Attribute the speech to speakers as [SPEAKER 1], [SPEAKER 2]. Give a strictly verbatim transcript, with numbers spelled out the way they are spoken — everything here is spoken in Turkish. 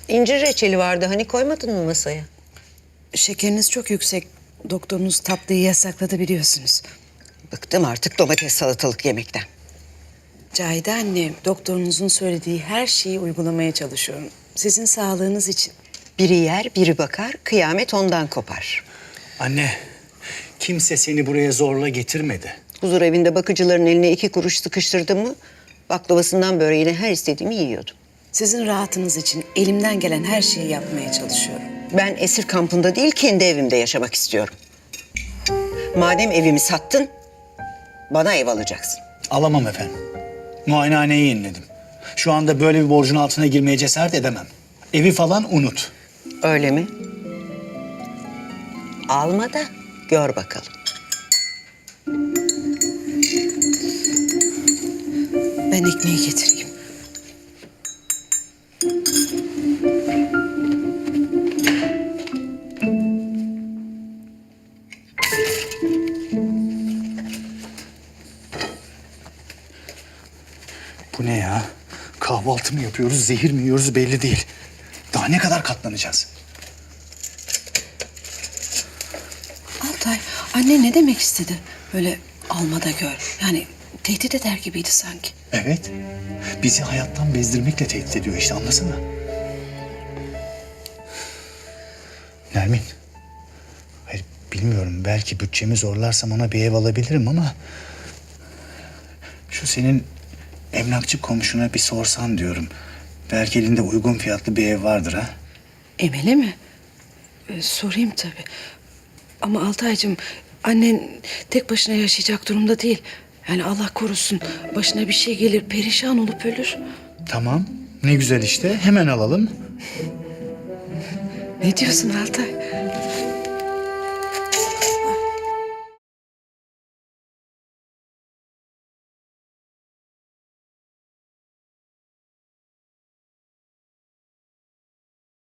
[SPEAKER 1] İncir reçeli vardı. Hani koymadın mı masaya?
[SPEAKER 2] Şekeriniz çok yüksek. Doktorunuz tatlıyı yasakladı biliyorsunuz.
[SPEAKER 1] Bıktım artık domates salatalık yemekten.
[SPEAKER 2] Cahide anne, doktorunuzun söylediği her şeyi uygulamaya çalışıyorum. Sizin sağlığınız için.
[SPEAKER 1] Biri yer, biri bakar. Kıyamet ondan kopar.
[SPEAKER 3] Anne, kimse seni buraya zorla getirmedi.
[SPEAKER 1] Huzur evinde bakıcıların eline iki kuruş sıkıştırdım mı... baklavasından böreğine her istediğimi yiyordum.
[SPEAKER 2] Sizin rahatınız için elimden gelen her şeyi yapmaya çalışıyorum.
[SPEAKER 1] Ben esir kampında değil, kendi evimde yaşamak istiyorum. Madem evimi sattın, bana ev alacaksın.
[SPEAKER 3] Alamam efendim. Muayenehaneyi yeniledim. Şu anda böyle bir borcun altına girmeye cesaret edemem. Evi falan unut.
[SPEAKER 1] Öyle mi? Alma da gör bakalım.
[SPEAKER 2] Ben ekmeği getireyim.
[SPEAKER 3] Bu ne ya? Kahvaltı mı yapıyoruz, zehir mi yiyoruz belli değil. Daha ne kadar katlanacağız?
[SPEAKER 2] Altay, anne ne demek istedi? Böyle almada gör. Yani tehdit eder gibiydi sanki.
[SPEAKER 3] Evet. Bizi hayattan bezdirmekle tehdit ediyor işte, anlasana. Nermin. Hayır, bilmiyorum. Belki bütçemi zorlarsam ona bir ev alabilirim ama... şu senin emlakçı komşuna bir sorsan diyorum. Belki elinde uygun fiyatlı bir ev vardır ha.
[SPEAKER 2] Emel'e mi? Ee, sorayım tabii. Ama Altaycığım, annen tek başına yaşayacak durumda değil. Yani Allah korusun, başına bir şey gelir, perişan olup ölür.
[SPEAKER 3] Tamam. Ne güzel işte. Hemen alalım.
[SPEAKER 2] Ne diyorsun Altay?